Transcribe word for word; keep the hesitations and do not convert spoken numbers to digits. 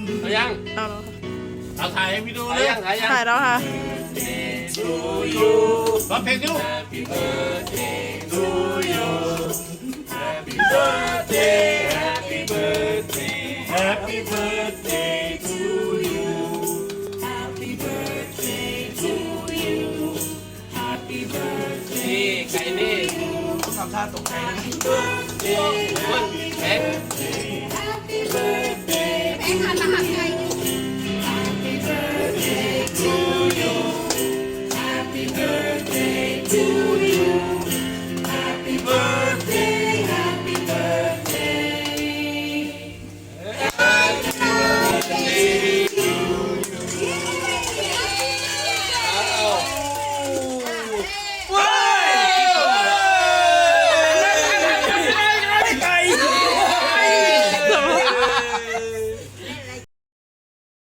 เอายังเอาแล้วค่ะเอาถ่ายให้พี่ดูถ่ายเลยยังถ่ายยังถ่ายแล้วค่ะร้องเพลงดิลูก Happy birthday to you Happy birthday Happy birthday Happy birthday to you Happy birthday to you Happy birthday ไก่นี่ทำท่าตกใจนะ Birthday แข็งแม่งหันมาหันไง